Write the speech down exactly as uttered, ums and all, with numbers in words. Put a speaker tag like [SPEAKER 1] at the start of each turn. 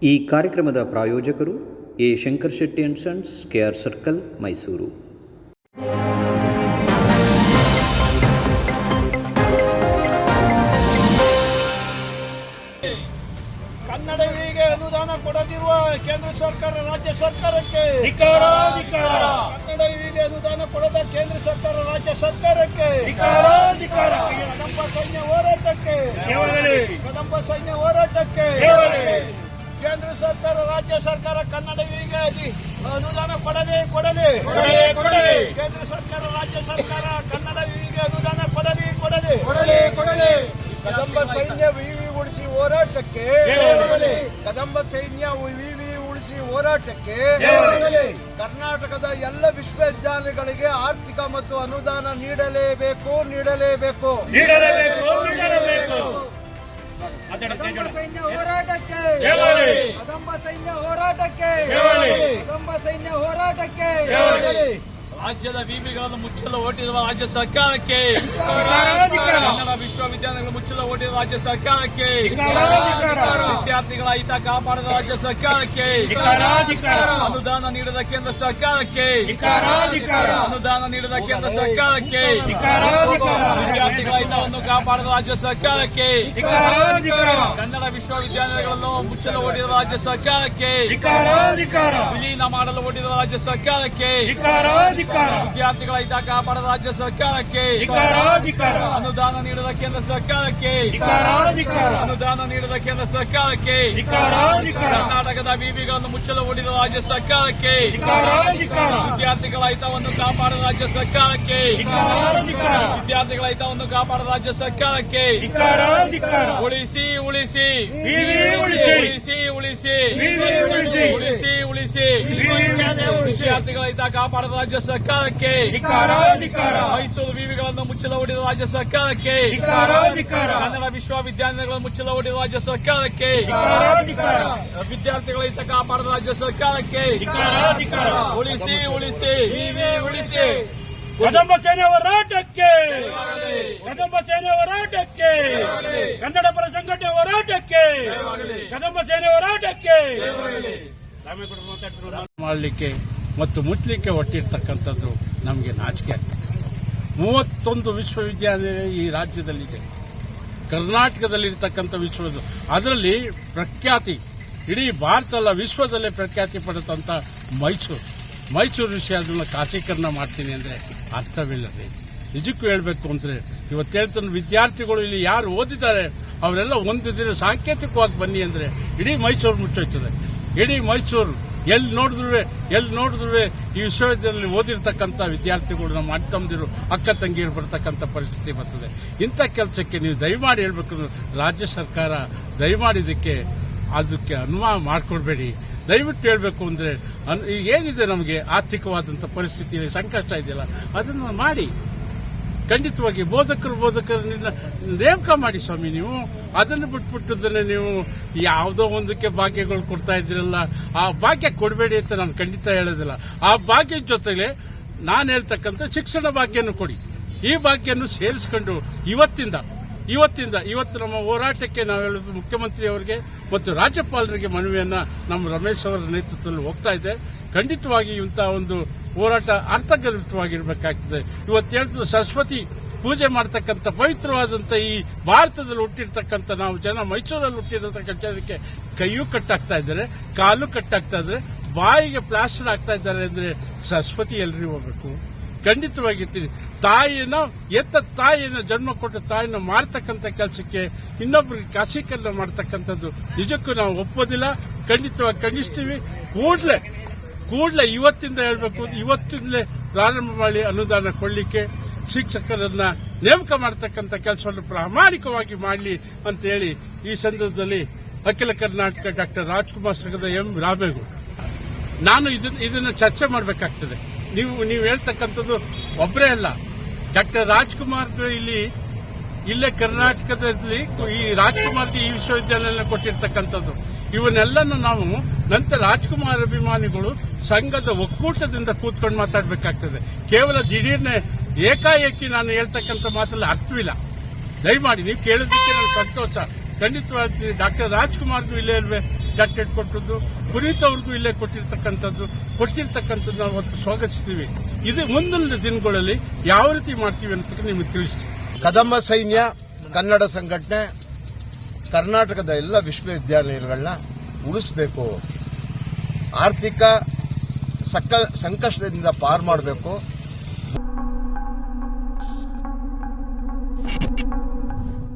[SPEAKER 1] ಈ ಕಾರ್ಯಕ್ರಮದ ಪ್ರಾಯೋಜಕರು A Shankar Shetty and sons, K R circle, Mysuru.
[SPEAKER 2] ಕನ್ನಡವಿಗೆ ಅನುದಾನ ಕೊಡದಿರುವ ಕೇಂದ್ರ ಸರ್ಕಾರ, ರಾಜ್ಯ ಸರ್ಕಾರಕ್ಕೆ ಕನ್ನಡವಿಗೆ ಅನುದಾನ ಕೊಡದ ಕೇಂದ್ರ ಸರ್ಕಾರ, ರಾಜ್ಯ ಸರ್ಕಾರಕ್ಕೆ ಕದಂಬ ಸೈನ್ಯ ಹೋರಾಟಕ್ಕೆ ಕದಂಬ ಸೈನ್ಯ ಹೋರಾಟಕ್ಕೆ ಕೇಂದ್ರ ಸರ್ಕಾರ, ರಾಜ್ಯ ಸರ್ಕಾರ ಕನ್ನಡವಿಗೆ ಅನುದಾನ ಕೊಡಲಿ ಕೊಡಲಿ ಕೇಂದ್ರ ಸರ್ಕಾರ, ರಾಜ್ಯ ಸರ್ಕಾರ ಕನ್ನಡವಿಗೆ ಅನುದಾನ ಕೊಡಲಿ ಕೊಡಲಿ ಕೊಡಲಿ ಕದಂಬ ಸೈನ್ಯ ವಿವಿ ಉಳಿಸಿ ಹೋರಾಟಕ್ಕೆ ಕದಂಬ ಸೈನ್ಯ ವಿವಿ ಉಳಿಸಿ ಹೋರಾಟಕ್ಕೆ ಕರ್ನಾಟಕದ ಎಲ್ಲ ವಿಶ್ವವಿದ್ಯಾಲಯಗಳಿಗೆ ಆರ್ಥಿಕ ಮತ್ತು ಅನುದಾನ ನೀಡಲೇಬೇಕು ನೀಡಲೇಬೇಕು
[SPEAKER 3] ಕದಂಬ ಸೈನ್ಯ ಹೋರಾಟಕ್ಕೆ ಕದಂಬ ಸೈನ್ಯ ಹೋರಾಟಕ್ಕೆ ಕದಂಬ ಸೈನ್ಯ ಹೋರಾಟಕ್ಕೆ
[SPEAKER 2] ರಾಜ್ಯದ ವಿವಿಗಳನ್ನು ಮುಚ್ಚಲು ಹೊರಟಿರುವ ರಾಜ್ಯ ಸರ್ಕಾರಕ್ಕೆ, ಕನ್ನಡ ವಿಶ್ವವಿದ್ಯಾಲಯಗಳು ಮುಚ್ಚಲು ಹೊರಟಿರುವ ರಾಜ್ಯ ಸರ್ಕಾರಕ್ಕೆ, ವಿದ್ಯಾರ್ಥಿಗಳ ಹಿತ ಕಾಪಾಡದ ರಾಜ್ಯ ಸರ್ಕಾರಕ್ಕೆ, ಅನುದಾನ ನೀಡದ ಕೇಂದ್ರ ಸರ್ಕಾರಕ್ಕೆ, ಅನುದಾನ ನೀಡದ ಕೇಂದ್ರ ಸರ್ಕಾರಕ್ಕೆ, ವಿದ್ಯಾರ್ಥಿಗಳ ಹಿತವನ್ನು ಕಾಪಾಡದ ರಾಜ್ಯ ಸರ್ಕಾರಕ್ಕೆ, ಕನ್ನಡ ವಿಶ್ವವಿದ್ಯಾಲಯಗಳನ್ನು ಮುಚ್ಚಲು ಹೊರಟಿರುವ ರಾಜ್ಯ ಸರ್ಕಾರಕ್ಕೆ, ವಿಲೀನ ಮಾಡಲು ಹೊರಟಿರುವ ರಾಜ್ಯ ಸರ್ಕಾರಕ್ಕೆ, ವಿದ್ಯಾರ್ಥಿಗಳ ಹಿತ ಕಾಪಾಡದ ರಾಜ್ಯ ಸರ್ಕಾರಕ್ಕೆ, ಅನುದಾನ ನೀಡದ ಕೇಂದ್ರ ಸರ್ಕಾರಕ್ಕೆ, ಅನುದಾನ ನೀಡದ ಕೇಂದ್ರ ಸರ್ಕಾರಕ್ಕೆ, ಕರ್ನಾಟಕದ ವಿವಿಗಳನ್ನು ಮುಚ್ಚಲು ಹೊರಟಿರುವ ರಾಜ್ಯ ಸರ್ಕಾರಕ್ಕೆ, ವಿದ್ಯಾರ್ಥಿಗಳ ಹಿತವನ್ನು ಕಾಪಾಡದ ರಾಜ್ಯ ಸರ್ಕಾರಕ್ಕೆ, ವಿದ್ಯಾರ್ಥಿಗಳ ಹಿತವನ್ನು ಕಾಪಾಡದ ರಾಜ್ಯ ಸರ್ಕಾರಕ್ಕೆ, ಉಳಿಸಿ ಉಳಿಸಿ ಉಳಿಸಿ ಉಳಿಸಿ ಉಳಿಸಿ ಉಳಿಸಿ ವಿದ್ಯಾರ್ಥಿಗಳ ಹಿತ ಕಾಪಾಡದ ರಾಜ್ಯ ಸರ್ಕಾರಕ್ಕೆ, ಮೈಸೂರು ವಿವಿಗಳನ್ನು ಮುಚ್ಚಲು ಹೊರಟಿರುವ ರಾಜ್ಯ ಸರ್ಕಾರಕ್ಕೆ, ಕನ್ನಡ ವಿಶ್ವವಿದ್ಯಾಲಯಗಳನ್ನು ಮುಚ್ಚಲು ಹೊರಟಿರುವ ರಾಜ್ಯ ಸರ್ಕಾರಕ್ಕೆ, ವಿದ್ಯಾರ್ಥಿಗಳ ಹಿತ ಕಾಪಾಡದ ರಾಜ್ಯ ಸರ್ಕಾರಕ್ಕೆ, ಉಳಿಸಿ ಉಳಿಸಿ ಉಳಿಸಿ
[SPEAKER 4] ಕದಂಬ ಸೇನೆ ಹೋರಾಟಕ್ಕೆ, ಕದಂಬ ಸೇನೆ ಹೋರಾಟಕ್ಕೆ, ಕನ್ನಡ ಪರ ಸಂಘಟನೆ ಹೋರಾಟಕ್ಕೆ, ಕದಂಬ ಸೇನೆ ಹೋರಾಟಕ್ಕೆ ಮಾಡಲಿಕ್ಕೆ ಮತ್ತು ಮುಚ್ಚಲಿಕ್ಕೆ ಹೊಟ್ಟಿರ್ತಕ್ಕಂಥದ್ದು ನಮಗೆ ನಾಚಿಕೆ ಆಗ್ತದೆ. ಮೂವತ್ತೊಂದು ವಿಶ್ವವಿದ್ಯಾಲಯ ಈ ರಾಜ್ಯದಲ್ಲಿದೆ, ಕರ್ನಾಟಕದಲ್ಲಿರ್ತಕ್ಕಂಥ ವಿಶ್ವದ ಅದರಲ್ಲಿ ಪ್ರಖ್ಯಾತಿ ಇಡೀ ಭಾರತ ಅಲ್ಲ ವಿಶ್ವದಲ್ಲೇ ಪ್ರಖ್ಯಾತಿ ಪಡೆದಂಥ ಮೈಸೂರು ಮೈಸೂರು ವಿಷಯ ಅದನ್ನು ಖಾಸೀಕರಣ ಮಾಡ್ತೀನಿ ಅಂದರೆ ಅರ್ಥವಿಲ್ಲದೆ ನಿಜಕ್ಕೂ ಹೇಳಬೇಕು ಅಂದರೆ ಇವತ್ತು ಹೇಳ್ತಾನೆ ವಿದ್ಯಾರ್ಥಿಗಳು ಇಲ್ಲಿ ಯಾರು ಓದಿದ್ದಾರೆ ಅವರೆಲ್ಲ ಒಂದು ದಿನ ಸಾಂಕೇತಿಕವಾಗಿ ಬನ್ನಿ ಅಂದರೆ ಇಡೀ ಮೈಸೂರು ಮುಚ್ಚೋಯ್ತದೆ. ಇಡೀ ಮೈಸೂರು ಎಲ್ಲಿ ನೋಡಿದ್ರು ಎಲ್ಲಿ ನೋಡಿದ್ರು ಈ ವಿಶ್ವವಿದ್ಯಾಲಯದಲ್ಲಿ ಓದಿರ್ತಕ್ಕಂಥ ವಿದ್ಯಾರ್ಥಿಗಳು ನಮ್ಮ ಅಣ್ಣ ತಮ್ಮದಿರು ಅಕ್ಕ ತಂಗಿರು ಬರ್ತಕ್ಕಂಥ ಪರಿಸ್ಥಿತಿ ಬರ್ತದೆ. ಇಂಥ ಕೆಲಸಕ್ಕೆ ನೀವು ದಯಮಾಡಿ ಹೇಳ್ಬೇಕು, ರಾಜ್ಯ ಸರ್ಕಾರ ದಯಮಾಡಿದ್ದಕ್ಕೆ ಅದಕ್ಕೆ ಅನುಮಾನ ಮಾಡಿಕೊಡ್ಬೇಡಿ. ದಯವಿಟ್ಟು ಹೇಳಬೇಕು ಅಂದರೆ ಏನಿದೆ ನಮಗೆ ಆರ್ಥಿಕವಾದಂಥ ಪರಿಸ್ಥಿತಿ ಸಂಕಷ್ಟ ಇದೆಯಲ್ಲ ಅದನ್ನು ಮಾಡಿ ಖಂಡಿತವಾಗಿ ಬೋಧಕರು ಬೋಧಕರನ್ನ ನೇಮಕ ಮಾಡಿ ಸ್ವಾಮಿ. ನೀವು ಅದನ್ನು ಬಿಟ್ಬಿಟ್ಟದನ್ನೇ ನೀವು ಯಾವುದೋ ಒಂದಕ್ಕೆ ಭಾಗ್ಯಗಳು ಕೊಡ್ತಾ ಇದ್ದೀರಲ್ಲ, ಆ ಭಾಗ್ಯ ಕೊಡಬೇಡಿ ಅಂತ ನಾನು ಖಂಡಿತ ಹೇಳೋದಿಲ್ಲ. ಆ ಭಾಗ್ಯದ ಜೊತೆಗೆ ನಾನು ಹೇಳ್ತಕ್ಕಂಥ ಶಿಕ್ಷಣ ಭಾಗ್ಯನೂ ಕೊಡಿ. ಈ ಭಾಗ್ಯವನ್ನು ಸೇರಿಸ್ಕೊಂಡು ಇವತ್ತಿಂದ ಇವತ್ತಿಂದ ಇವತ್ತು ನಮ್ಮ ಹೋರಾಟಕ್ಕೆ ನಾವು ಹೇಳೋದು ಮುಖ್ಯಮಂತ್ರಿಯವರಿಗೆ ಮತ್ತು ರಾಜ್ಯಪಾಲರಿಗೆ ಮನವಿಯನ್ನ ನಮ್ಮ ರಮೇಶ್ ಅವರ ನೇತೃತ್ವದಲ್ಲಿ ಹೋಗ್ತಾ ಇದೆ. ಖಂಡಿತವಾಗಿ ಇಂತಹ ಒಂದು ಹೋರಾಟ ಅರ್ಥಗರ್ಭಿತವಾಗಿರಬೇಕಾಗ್ತದೆ. ಇವತ್ತು ಹೇಳ್ತದೆ ಸರಸ್ವತಿ ಪೂಜೆ ಮಾಡತಕ್ಕಂಥ ಪವಿತ್ರವಾದಂಥ ಈ ಭಾರತದಲ್ಲಿ ಹುಟ್ಟಿರ್ತಕ್ಕಂಥ ನಾವು ಜನ ಮೈಸೂರಲ್ಲಿ ಹುಟ್ಟಿರತಕ್ಕಂಥ ಜನಕ್ಕೆ ಕೈಯೂ ಕಟ್ಟಾಗ್ತಾ ಇದ್ದಾರೆ, ಕಾಲು ಕಟ್ಟಾಗ್ತಾ ಇದ್ದಾರೆ, ಬಾಯಿಗೆ ಪ್ಲಾಸ್ಟರ್ ಆಗ್ತಾ ಇದ್ದಾರೆ ಅಂದ್ರೆ ಸರಸ್ವತಿ ಎಲ್ರಿಗೂ ಹೋಗ್ಬೇಕು. ಖಂಡಿತವಾಗಿರ್ತೀನಿ ತಾಯಿನ ಎತ್ತ ತಾಯಿನ ಜನ್ಮ ಕೊಟ್ಟ ತಾಯಿನ ಮಾಡ್ತಕ್ಕಂಥ ಕೆಲಸಕ್ಕೆ ಇನ್ನೊಬ್ಬರಿಗೆ ಖಾಸೀಕರಣ ಮಾಡ್ತಕ್ಕಂಥದ್ದು ನಿಜಕ್ಕೂ ನಾವು ಒಪ್ಪೋದಿಲ್ಲ. ಖಂಡಿತವಾಗಿ ಖಂಡಿಸ್ತೀವಿ. ಕೂಡಲೇ ಕೂಡಲೇ ಇವತ್ತಿಂದ ಹೇಳಬೇಕು, ಇವತ್ತಿಂದಲೇ ಪ್ರಾರಂಭ ಮಾಡಿ ಅನುದಾನ ಕೊಡಲಿಕ್ಕೆ ಶಿಕ್ಷಕರನ್ನ ನೇಮಕ ಮಾಡತಕ್ಕಂಥ ಕೆಲಸವನ್ನು ಪ್ರಾಮಾಣಿಕವಾಗಿ ಮಾಡಲಿ ಅಂತ ಹೇಳಿ ಈ ಸಂದರ್ಭದಲ್ಲಿ ಅಖಿಲ ಕರ್ನಾಟಕ ಡಾಕ್ಟರ್ ರಾಜ್ಕುಮಾರ್ ಸಂಘದ ಎಂ ರಾಮೇಗೌಡ ನಾನು ಇದನ್ನು ಚರ್ಚೆ ಮಾಡಬೇಕಾಗ್ತದೆ. ನೀವು ನೀವು ಹೇಳ್ತಕ್ಕಂಥದ್ದು ಒಬ್ಬರೇ ಅಲ್ಲ, ಡಾಕ್ಟರ್ ರಾಜ್ಕುಮಾರ್ ಇಲ್ಲಿ ಇಲ್ಲೇ ಕರ್ನಾಟಕದಲ್ಲಿ ಈ ರಾಜ್ಕುಮಾರ್ಗೆ ಈ ವಿಶ್ವವಿದ್ಯಾಲಯ ಕೊಟ್ಟಿರ್ತಕ್ಕಂಥದ್ದು ಇವನ್ನೆಲ್ಲನೂ ನಾವು ನಂತರ ರಾಜ್ಕುಮಾರ್ ಅಭಿಮಾನಿಗಳು ಸಂಘದ ಒಕ್ಕೂಟದಿಂದ ಕೂತ್ಕೊಂಡು ಮಾತಾಡಬೇಕಾಗ್ತದೆ. ಕೇವಲ ದಿಢೀರ್ನೆ ಏಕಾಏಕಿ ನಾನು ಹೇಳ್ತಕ್ಕಂಥ ಮಾತಲ್ಲಿ ಅರ್ಥವಿಲ್ಲ. ದಯಮಾಡಿ ನೀವು ಕೇಳೋದಕ್ಕೆ ನನಗೆ ಸಂತೋಷ. ಖಂಡಿತವಾಗಿ ಡಾಕ್ಟರ್ ರಾಜ್ಕುಮಾರ್ಗೂ ಇಲ್ಲೇ ಇಲ್ವೇ ಜಾಕೆಟ್ ಕೊಟ್ಟದ್ದು, ಪುನೀತ್ ಅವ್ರಿಗೂ ಇಲ್ಲೇ ಕೊಟ್ಟಿರ್ತಕ್ಕಂಥದ್ದು ಕೊಟ್ಟಿರ್ತಕ್ಕಂಥದ್ದು ನಾವು ಅವತ್ತು ಸ್ವಾಗತಿಸ್ತೀವಿ. ಇದು ಮುಂದಿನ ದಿನಗಳಲ್ಲಿ ಯಾವ ರೀತಿ ಮಾಡ್ತೀವಿ ಅಂತ ನಿಮಗೆ ತಿಳಿಸ್ತೀವಿ.
[SPEAKER 5] ಕದಂಬ ಸೈನ್ಯ ಕನ್ನಡ ಸಂಘಟನೆ ಕರ್ನಾಟಕದ ಎಲ್ಲ ವಿಶ್ವವಿದ್ಯಾಲಯಗಳನ್ನ ಉಳಿಸಬೇಕು, ಆರ್ಥಿಕ ಸಂಕಷ್ಟದಿಂದ ಪಾರು ಮಾಡಬೇಕು.